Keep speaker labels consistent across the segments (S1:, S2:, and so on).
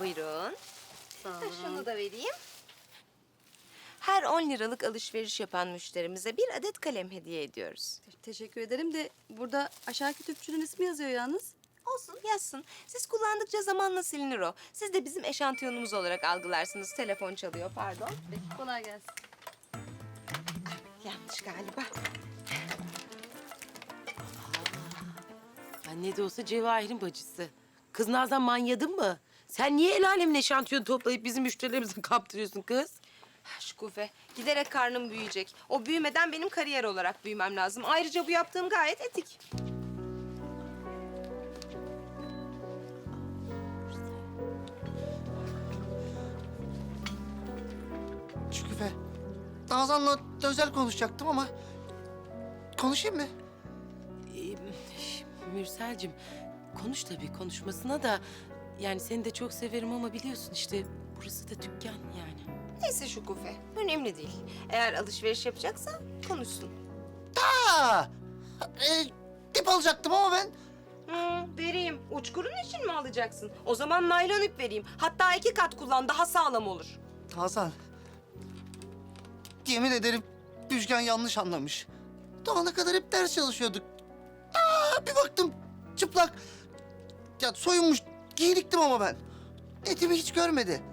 S1: Buyurun.
S2: Sağ
S1: Şunu da vereyim. Her 10 liralık alışveriş yapan müşterimize bir adet kalem hediye ediyoruz.
S2: Teşekkür ederim de burada aşağıki tüpçünün ismi yazıyor yalnız.
S1: Olsun, yazsın. Siz kullandıkça zamanla silinir o. Siz de bizim eşantiyonumuz olarak algılarsınız. Telefon çalıyor, pardon.
S2: Peki, kolay gelsin.
S1: Yanlış galiba.
S3: Ya ne de olsa Cevahir'in bacısı. Kız Nazan manyadın mı? Sen niye el alemin eşantiyon toplayıp bizim müşterilerimize kaptırıyorsun kız?
S1: Şükufe, giderek karnım büyüyecek. O büyümeden benim kariyer olarak büyümem lazım. Ayrıca bu yaptığım gayet etik.
S4: Şükrü, Nazan'la özel konuşacaktım ama konuşayım mı?
S3: Mürselcim, konuş tabii konuşmasına da... Yani seni de çok severim ama biliyorsun işte burası da dükkan yani.
S1: Neyse Şükufe, önemli değil. Eğer alışveriş yapacaksa konuşsun.
S4: Aa, tip alacaktım ama ben.
S1: Vereyim. Uçkurun için mi alacaksın? O zaman naylon ip vereyim. Hatta 2 kat kullan, daha sağlam olur.
S4: Nazan, yemin ederim Müjgan yanlış anlamış. Doğana kadar hep ders çalışıyorduk. Bir baktım çıplak. Ya soyunmuş, giyiniktim ama ben. Etimi hiç görmedi.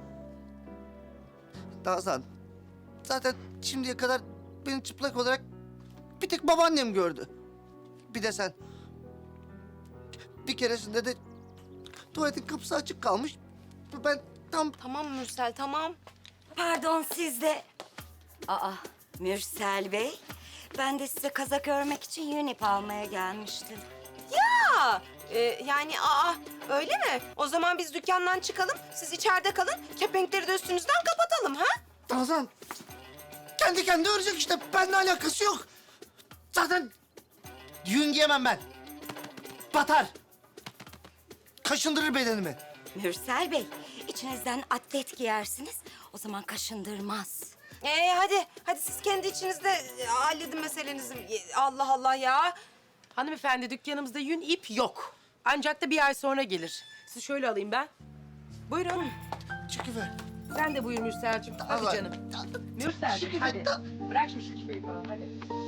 S4: Nazan, zaten şimdiye kadar beni çıplak olarak bir tek babaannem gördü. Bir de sen. Bir keresinde de tuvaletin kapısı açık kalmış. Ben tam...
S1: Tamam Mürsel, tamam.
S5: Pardon siz de... Aa, Mürsel Bey. Ben de size kazak örmek için yün ip almaya gelmiştim.
S1: Ya, yani öyle mi? O zaman biz dükkandan çıkalım, siz içeride kalın. Kepenkleri de üstünüzden kapatalım, ha?
S4: Nazan, kendi kendine örecek işte. Benimle alakası yok. Zaten yün giyemem ben. Batar. Kaşındırır bedenimi.
S5: Mürsel Bey, içinizden atlet giyersiniz. O zaman kaşındırmaz.
S1: Hadi siz kendi içinizde halledin meselenizi. Allah Allah ya.
S3: Hanımefendi dükkanımızda yün ip yok. Ancak da bir ay sonra gelir. Sizi şöyle alayım ben. Buyurun.
S4: Şükrü.
S3: Sen de buyur Mürselcim. Hadi
S4: Allah.
S3: canım. Mürselcim hadi. Bırak şu şüpheyi falan hadi.